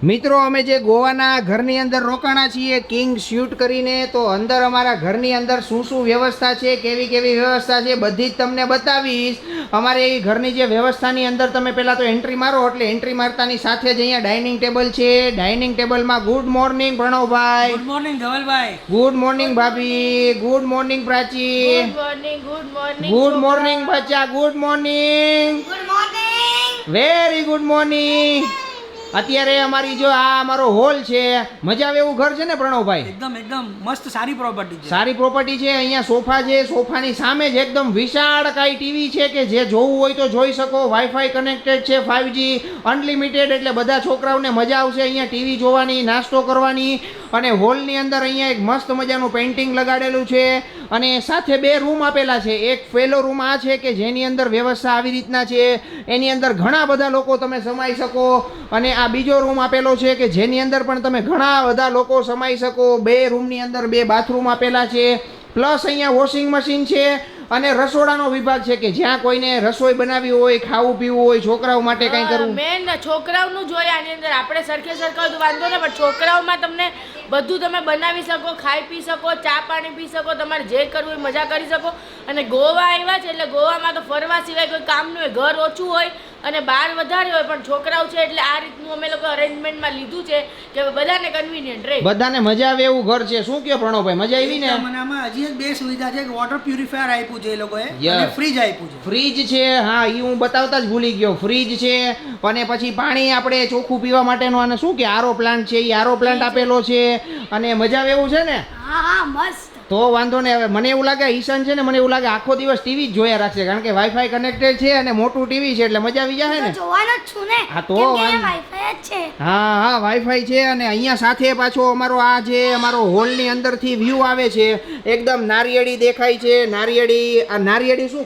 મિત્રો અમે જે ગોવાના ઘરની અંદર રોકાણા છીએ કિંગ શૂટ કરીને, તો અંદર અમારા ઘરની અંદર શું શું વ્યવસ્થા છે, કેવી કેવી વ્યવસ્થા છે, બધી જ તમને બતાવીશ. અમારે એ ઘરની જે વ્યવસ્થાની અંદર તમે પહેલાં તો એન્ટ્રી મારો, એટલે એન્ટ્રી મારતાની સાથે જ અહીંયા ડાઇનિંગ ટેબલ છે. ડાઇનિંગ ટેબલમાં ગુડ મોર્નિંગ પ્રણવભાઈ, ગુડ મોર્નિંગ ધવલભાઈ, ગુડ મોર્નિંગ ભાભી, good morning Prachi, good morning good morning બચ્ચા, good morning, very good morning. અત્યારે અમારી જો આ અમારો હોલ છે, મજા આવે એવું ઘર છે ને પ્રણવભાઈ? એકદમ એકદમ મસ્ત સારી પ્રોપર્ટી છે. સારી પ્રોપર્ટી છે. અહીંયા સોફા છે, સોફાની સામે જ એકદમ વિશાળકાય ટીવી છે કે જે જોવું હોય તો જોઈ શકો. વાઈફાઈ કનેક્ટેડ છે, 5G અનલિમિટેડ, એટલે બધા છોકરાઓને મજા આવશે અહીંયા ટીવી જોવાની, નાસ્તો કરવાની. અને હોલની અંદર અહીંયા એક મસ્ત મજાનું પેઇન્ટિંગ લગાડેલું છે અને સાથે બે રૂમ આપેલા છે. એક પહેલો રૂમ આ છે કે જેની અંદર વ્યવસ્થા આવી રીતના છે, એની અંદર ઘણા બધા લોકો તમે સમાઈ શકો. અને આ બીજો રૂમ આપેલો છે કે જેની અંદર પણ તમે ઘણા બધા લોકો સમાઈ શકો. બે રૂમની અંદર બે બાથરૂમ આપેલા છે, પ્લસ અહીંયા વોશિંગ મશીન છે અને રસોડાનો વિભાગ છે કે જ્યાં કોઈને રસોઈ બનાવવી હોય, ખાવું પીવું હોય, છોકરાઓ માટે કંઈ કરવું. મેન છોકરાઓનું જોઈએ આની અંદર. આપણે સરખે સરખા તો વાંધો ને, પણ છોકરાઓમાં તમને બધું તમે બનાવી શકો, ખાઈ પી શકો, ચા પાણી પી શકો, તમારે જે કરવું હોય મજા કરી શકો. અને ગોવા આવ્યા છે એટલે ગોવામાં તો ફરવા સિવાય કોઈ કામનું હોય, ઘર ઓછું હોય અને બહાર વધારે હોય, પણ છોકરાઓ છે એટલે આ રીતનું અમે લોકો અરેન્જમેન્ટમાં લીધું છે કે બધાને કન્વિનિયન્ટ રહે, બધાને મજા આવે એવું ઘર છે. શું કહો પ્રણવભાઈ, મજા આવી ને? મને આમાં હજી એક બે સુવિધા છે કે વોટર પ્યુરિફાયર આપ્યું છે એ લોકોએ, Yes. અને ફ્રીજ આપ્યું છે. ફ્રીજ છે, હા એ હું બતાવતા જ ભૂલી ગયો. ફ્રીજ છે અને પછી પાણી આપણે ચોખ્ખું પીવા માટેનો, અને શું કે આરો પ્લાન્ટ છે, એ આરો પ્લાન્ટ આપેલો છે. અને મજા આવે એવું છે ને? હા મસ્ત. તો વાંધો નહીં. હવે મને એવું લાગે ઈશાન છે ને, મને એવું લાગે આખો દિવસ ટીવી જ જોયા રાખશે, કારણ કે વાઈફાઈ કનેક્ટેડ છે અને મોટું ટીવી છે એટલે મજા આવી જાય ને. જોવાનો જ છું ને. હા તો વાઈફાઈ જ છે. હા વાઈફાઈ છે. અને અહીંયા સાથે પાછો અમારો આ જે અમારો હોલની અંદરથી વ્યૂ આવે છે, એકદમ નારિયેળી દેખાય છે. નારિયેળી, આ નારિયેળી શું,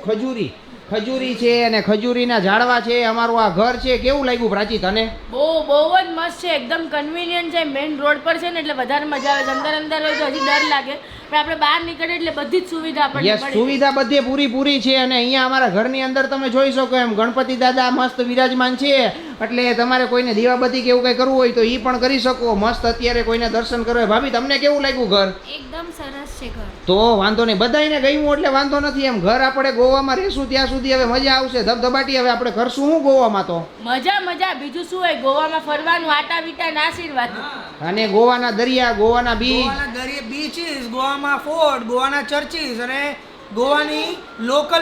ખજૂરી છે અને ખજૂરીના ઝાડવા છે. અમારું આ ઘર છે. કેવું લાગ્યું પ્રાચી તને? બહુ જ મસ્ત છે, એકદમ કન્વિનિયન્ટ છે. મેઇન રોડ પર છે ને એટલે વધારે મજા આવે છે. અંદર હોય તો હજી ડર લાગે, પણ આપણે બહાર નીકળે એટલે બધી જ સુવિધા આપણને યસ, મળે. સુવિધા બધે પૂરી છે. અને અહીંયા અમારા ઘરની અંદર તમે જોઈ શકો એમ ગણપતિ દાદા મસ્ત વિરાજમાન છે, એટલે તમારે કોઈને દીવાબત્તી કે એવું કંઈ કરવું હોય તો એ પણ કરી શકો. મસ્ત અત્યારે કોઈને દર્શન કરવા. ભાભી તમને કેવું લાગ્યું ઘર? એકદમ સરસ છે ઘર. તો વાંધો નહીં, બધાને ગયું એટલે વાંધો નથી. એમ ઘર આપણે ગોવામાં રહેશું ત્યાં સુધી હવે મજા આવશે ધબધબાટી. હવે આપણે કરશું શું ગોવામાં? તો મજા બીજું શું હોય ગોવામાં ફરવાનું, આટા બીટા નાસીરવાનું. અને ગોવાના દરિયા, ગોવાના બીચ, ગોવાના દરિયા, બીચીસ, ગોવામાં ફોર્ટ, ગોવાના ચર્ચીસ અને ગોવાની લોકલ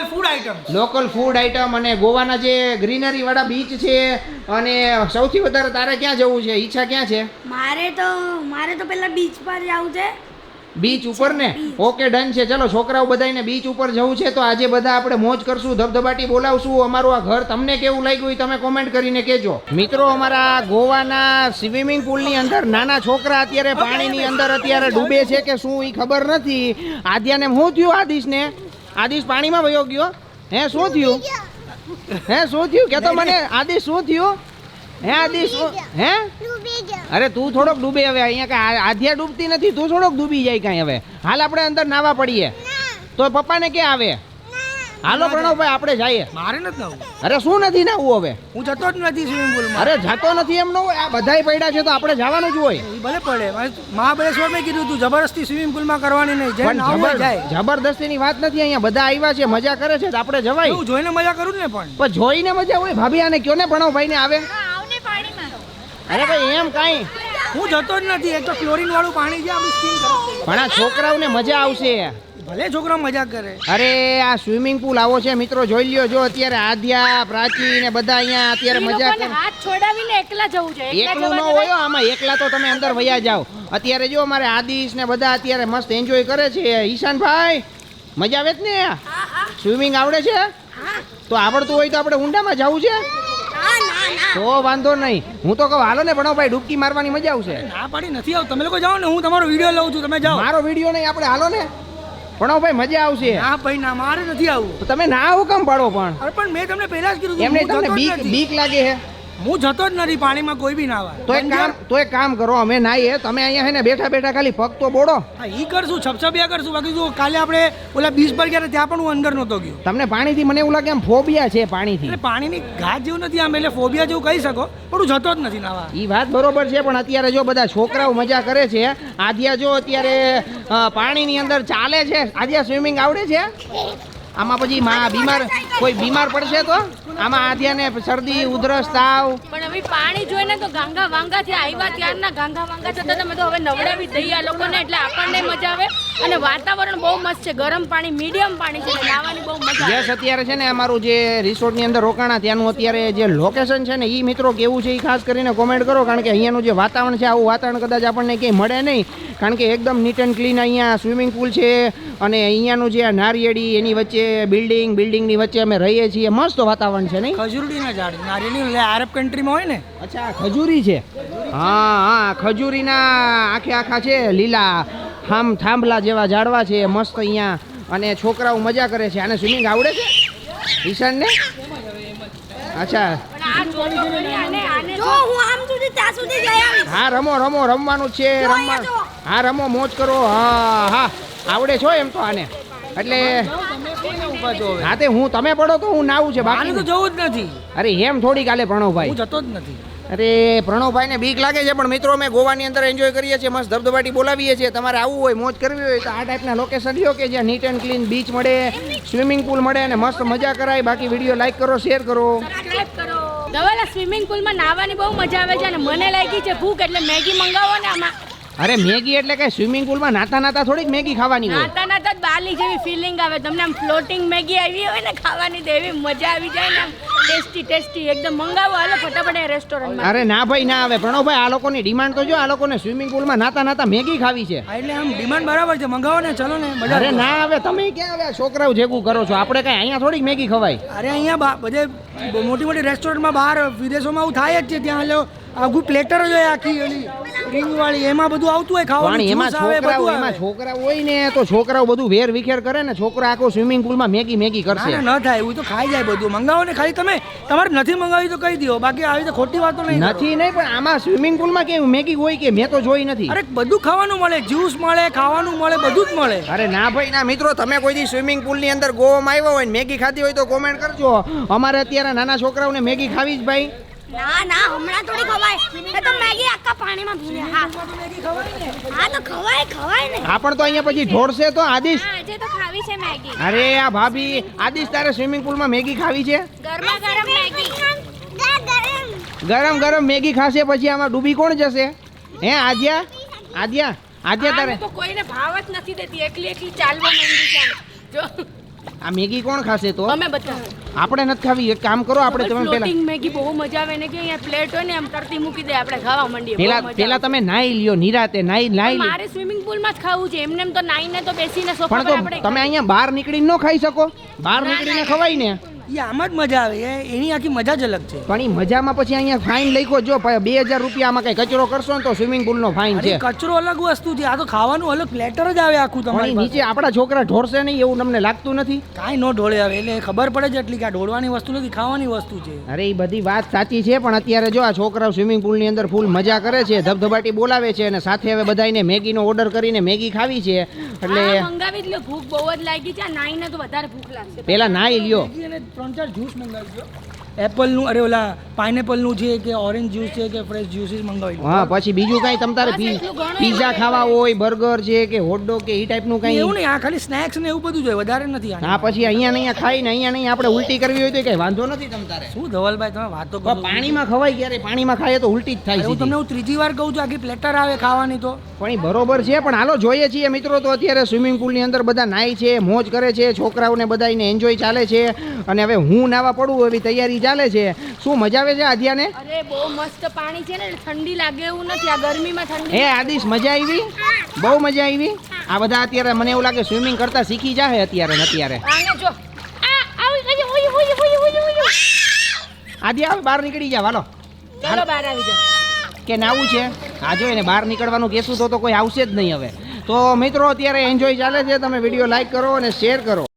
ફૂડ આઈટમ અને ગોવાના જે ગ્રીનરી વાળા બીચ છે. અને સૌથી વધારે તારે ક્યાં જવું છે? ઈચ્છા ક્યાં છે? મારે તો પેલા બીચ પર જવું છે. બીચ ઉપર ને? ઓકે ડન છે. ચલો છોકરાઓ બધાને બીચ ઉપર જવું છે તો આજે બધા આપણે મોજ કરશું, ધબધબાટી બોલાવશું. અમારું આ ઘર તમને કેવું લાગ્યું એ તમે કોમેન્ટ કરીને કહેજો. મિત્રો અમારા ગોવાના સ્વિમિંગ પુલની અંદર નાના છોકરા અત્યારે પાણીની અંદર અત્યારે ડૂબે છે કે શું એ ખબર નથી. આદ્યાને શું થયું? આદિશ પાણીમાં વયો ગયો. શું થયું? શું થયું કે તો મને? આદિશ શું થયું? આદિશ અરે તું થોડોક ડૂબે. હવે અહીંયા કાંઈ આધ્યા ડૂબતી નથી, તું થોડોક ડૂબી જાય કાંઈ. હવે હાલ આપણે અંદર નાવા પડીએ તો પપ્પાને ક્યાં આવે? હાલો પ્રણવભાઈ આપણે જઈએ. મારે નથી નાવું. અરે શું નથી નાવું? હવે હું જતો જ નથી સ્વિમિંગ પુલમાં. અરે જતો નથી એમ ન હોય, આ બધાય પડ્યા છે તો આપણે જવાનું જ હોય. એ ભલે પડે. મહાબળેશ્વર મેં કીધું તું જબરદસ્તી સ્વિમિંગ પુલમાં કરવાની નહીં. પણ નાવું હોય જાય. જબરદસ્તીની વાત નથી. અહીંયા બધા આવ્યા છે, મજા કરે છે તો આપણે જવાય. હું જોઈને મજા કરું ને. પણ જોઈને મજા હોય. ભાભી આને કયો ને પ્રણવભાઈને આવે. અરે ભાઈ એમ કાંઈ, હું જતો જ નથી. એક તો ક્લોરીન વાળું પાણી છે, આપણી સ્કિન ખરાબ. પણ આ છોકરાઓને મજા આવશે. ભલે છોકરા મજા કરે. અરે આ સ્વિમિંગ પુલ આવો છે મિત્રો, જોઈ લ્યો. જો અત્યારે આદ્યા, પ્રાચી ને બધા અહીંયા અત્યારે મજા કરે. હાથ છોડાવીને એકલા જવું છે. એકલું ન હોય આમાં, એકલા તો તમે અંદર વયા જાઓ. અત્યારે જો અમારે આદિશ ને બધા અત્યારે મસ્ત એન્જોય કરે છે. ઈશાનભાઈ મજા આવે જ ને? સ્વિમિંગ આવડે છે? તો આવડતું હોય તો આપણે ઊંડામાં જવું છે તો વાંધો નહીં. હું તો કહું હાલો ને ભણોભાઈ, ડૂબકી મારવાની મજા આવશે. ના પાડી નથી આવું. તમે લોકો જાઓ ને, હું તમારો વિડીયો લઉં છું, તમે જાઓ. મારો વિડીયો નહીં, આપણે હાલો ને ભણોભાઈ, મજા આવશે. હા ભાઈ ના, મારે નથી આવું. તો તમે ના આવું કેમ પાડો? પણ અરે પણ મેં તમને પહેલા જ કીધું એમને તમને બીક લાગે છે? હું જતો જ નથી પાણીમાં કોઈ બી નાવા. તો એક કામ કરો, અમે નાહીએ, તમે અહીંયા હે ને બેઠા બેઠા ખાલી પગ તો બોડો. હા ઈ કરશું, છપછપિયા કરશું. બાકી જો કાલે આપણે ઓલા બીચ પર ગયા ત્યાં પણ હું અંદર નહોતો ગયો. તમને પાણીથી મને એવું લાગે એમ ફોબિયા છે પાણીથી. એટલે પાણીની ઘાટ જેવું નથી આમ, એટલે ફોબિયા જેવું કહી શકો, પણ હું જતો જ નથી નાવા. એ વાત બરોબર છે, પણ અત્યારે જો બધા છોકરાઓ મજા કરે છે. આદ્યા જો અત્યારે પાણીની અંદર ચાલે છે. આદ્યા સ્વિમિંગ આવડે છે? આમાં પછી કોઈ બીમાર પડશે તો આમાં આદ્યાને શરદી ઉધરસ તાવ. પણ હવે પાણી જોઈને તો ગાંગા વાંગા થી આવ્યા ત્યારના ગાંગા વાંગા થતા તમે તો હવે નવડાવી દઈએ આ લોકોને, એટલે આપણને મજા આવે. અને વાતાવરણ બહુ મસ્ત છે, ગરમ પાણી, મીડિયમ પાણી છે, નાવાની બહુ મજા આવે. યસ, અત્યારે છે ને અમારું જે રિસોર્ટની અંદર રોકાણા ત્યાંનું અત્યારે જે લોકેશન છે ને એ મિત્રો કેવું છે એ ખાસ કરીને કોમેન્ટ કરો, કારણ કે અહીંયાનું જે વાતાવરણ છે આવું વાતાવરણ કદાચ આપણને ક્યાંય મળે નહીં, કારણ કે એકદમ નીટ એન્ડ ક્લીન અહીંયા સ્વિમિંગ પુલ છે. અને અહીંયાનું જે નારિયેળી એની વચ્ચે બિલ્ડિંગની વચ્ચે અમે રહીએ છીએ, મસ્ત વાતાવરણ છે નહીં? ખજૂરીના ઝાડ, નારિયેળી આરબ કન્ટ્રીમાં હોય ને. અચ્છા, ખજૂરી છે. હા, ખજૂરીના આખા છે, લીલા થાંભલા જેવા ઝાડવા છે, મસ્ત અહીંયા. અને છોકરાઓ મજા કરે છે. આને સ્વિમિંગ આવડે છે ઈશાનને? અચ્છા, હા, રમવાનું છે. હા, રમો, મોજ કરો. હા, આવડે છો એમ તો આને. એટલે હા, તે તમે પડો તો હું નાવું છે, બાકી તો જવું જ નથી. અરે એમ થોડી કાલે પ્રણવભાઈ, હું જતો જ નથી. અરે પ્રણવભાઈ ને બીક લાગે છે, પણ મિત્રો અમે ગોવાની અંદર એન્જોય કરીએ છીએ, મસ્ત ધબધબાટી બોલાવીએ છીએ. તમારે આવવું હોય, મોજ કરવી હોય તો આ ટાઈપના લોકેશન લ્યો કે જ્યાં નીટ એન્ડ ક્લીન બીચ મળે, સ્વિમિંગ પુલ મળે અને મસ્ત મજા કરાય. બાકી વિડીયો લાઈક કરો, શેર કરો. ધવલ, સ્વિમિંગ પુલમાં નાહવાની બહુ મજા આવે છે અને મને લાગી છે ભૂખ, એટલે મેગી મંગાવો ને આમાં. અરે મેગી એટલે કે સ્વિમિંગ પુલમાં નાતા થોડીક મેગી ખાવાની હોય. નાતા જ બાલી જેવી ફીલિંગ આવે તમને. આમ ફ્લોટિંગ મેગી આવી હોય ને ખાવાની તો એવી મજા આવી જાય ને, આમ ટેસ્ટી એકદમ. મંગાવો, હાલો ફટાફટ રેસ્ટોરન્ટમાં. અરે ના ભાઈ, ના આવે. પ્રણવભાઈ, આ લોકોની ડિમાન્ડ તો જો, આ લોકોને સ્વિમિંગ પુલમાં નાતા મેગી ખાવી છે. એટલે આમ ડિમાન્ડ બરાબર છે, મંગાવો ને, ચલો ને. અરે ના આવે, તમે ક્યાં આવ્યા છોકરાઓ જેવું કરો છો? આપણે કઈ અહીંયા થોડીક મેગી ખવાય. અરે અહીંયા બધે મોટી રેસ્ટોરન્ટમાં બહાર વિદેશોમાં આવું થાય જ છે. ત્યાં આખું પ્લેટર જ હોય, આખી ઓલી રિંગ વાળી, એમાં બધું આવતું હોય ખાવાનું. એમાં છોકરા હોય ને તો છોકરાઓ બધું વેર વિખેર કરે ને, છોકરા આખો સ્વિમિંગ પુલમાં મેગી કરશે. ન થાય એવું તો ખાઈ જાય બધું. મંગાવો ને, ખાલી તમારે નથી મંગાવી તો કહી દો, બાકી આવી તો ખોટી વાતો નહીં. પણ આમાં સ્વિમિંગ પુલમાં કેવું મેગી હોય કે મેં તો જોઈ નથી. અરે બધું ખાવાનું મળે, જ્યુસ મળે, ખાવાનું મળે, બધું જ મળે. અરે ના ભાઈ ના. મિત્રો, તમે કોઈ દી સ્વિમિંગ પુલ ની અંદર ગોવામાં આવ્યા હોય ને મેગી ખાધી હોય તો કોમેન્ટ કરજો. અમારે અત્યારે નાના છોકરાઓને મેગી ખાવી જ ભાઈ. ના હમણાં થોડી ખવાય. એ તો મેગી આખા પાણીમાં ભીને. હા તો ખવાય ને. હા, પણ તો અહીંયા પછી ઢોળશે તો. આદિશ, આજે તો ખાવી છે મેગી. અરે આ ભાભી, આદિશ તારે સ્વિમિંગ પુલમાં મેગી ખાવી છે? ગરમ મેગી. ગરમ મેગી ખાશે પછી આમાં ડૂબી કોણ જશે? હે આદ્યા તારે તો કોઈને ભાવ જ નથી દેતી, એકલી ચાલવા માંડી છે. જો આ મેગી કોણ ખાશે તો? અમે બધા. આપણે નથી ખાવી. એક કામ કરો, આપણે તમે ફ્લોટિંગ મેગી બહુ મજા આવે ને, કે અહીંયા પ્લેટ હોય ને આમ તરતી મૂકી દે, આપણે ખાવા માંડીએ. પેલા તમે નાઈ લ્યો નિરાતે. નાઈ મારે સ્વિમિંગ પુલમાં જ ખાવું છે. એમને તો નાઈને તો બેસીને સોફા પર આપણે. તમે અહીંયા બહાર નીકળીને ન ખાઈ શકો? બહાર નીકળીને ખવાય ને. એ આમ જ મજા આવે, એની આખી મજા જ અલગ છે. પણ એ મજામાં પછી અહીંયા ફાઇન લખ્યો, જો 2000 રૂપિયામાં કઈ કચરો કરશો ને તો સ્વિમિંગ પુલ નો ફાઇન છે. કચરો અલગ વસ્તુ છે, આ તો ખાવાનું અલગ પ્લેટર જ આવે આખું. તમારી નીચે આપણા છોકરા ઢોળશે નહીં એવું તમને લાગતું નથી? કાંઈ નો ઢોળે આવે, એટલે ખબર પડે છે એટલી કે આ ઢોળવાની વસ્તુ નથી, ખાવાની વસ્તુ છે. અરે એ બધી વાત સાચી છે, પણ અત્યારે જો આ છોકરાઓ સ્વિમિંગ પુલ ની અંદર ફૂલ મજા કરે છે, ધબધબાટી બોલાવે છે, અને સાથે હવે બધાને મેગીનો ઓર્ડર કરીને મેગી ખાવી છે. એટલે મંગાવી જ લો, ભૂખ બહુ જ લાગી છે. નાઈને તો વધારે ભૂખ લાગશે. પેલા નાઈ લ્યો. 3-4 જ્યુસ એપલનું, અરે ઓલા પાઇનેપલનું છે કે ઓરેન્જ જ્યુસ છે કે ફ્રેશ જ્યુસીસ મંગાવી. હા, પછી બીજું કઈ તમારે પીઝા ખાવા હોય, બર્ગર છે કે હોટડોગ કે એ ટાઈપનું કઈ? એવું નહીં, આ ખાલી સ્નેક્સ ને એવું બધું જ હોય, વધારે નથી. હા, પછી અહીંયા ખાઈને અહીંયા આપણે ઉલટી કરવી હોય તો કઈ વાંધો નથી તમારે. શું ધવલભાઈ તમે વાતો કરો? પાણીમાં ખવાય ક્યારે? પાણીમાં ખાઈએ તો ઉલટી જ થાય છે. હું તમને ત્રીજી વાર કહું છું, આખી પ્લેટર આવે ખાવાની તો. પણ એ બરોબર છે, પણ હાલો જોઈએ છીએ મિત્રો. તો અત્યારે સ્વિમિંગ પુલની અંદર બધા નાય છે, મોજ કરે છે, છોકરાઓને બધાને એન્જોય ચાલે છે. અને હવે હું નાવા પડું એવી તૈયારી ચાલે છે. શું મજા આવે છે આદ્યાને? અરે બહુ મસ્ત પાણી છે ને, ઠંડી લાગે એવું નથી. આ ગરમીમાં ઠંડી. આદિશ, મજા આવી? બહુ મજા આવી. આ બધા અત્યારે મને એવું લાગે સ્વિમિંગ કરતા શીખી જાહે અત્યારે. આદ્યા, બહાર નીકળી જા. હાલો બહાર આવી જાઓ. કે નાવું છે? આ જો એને બહાર નીકળવાનું કહેશું તો કોઈ આવશે જ નહીં હવે. તો મિત્રો અત્યારે એન્જોય ચાલે છે. તમે વિડીયો લાઈક કરો અને શેર કરો.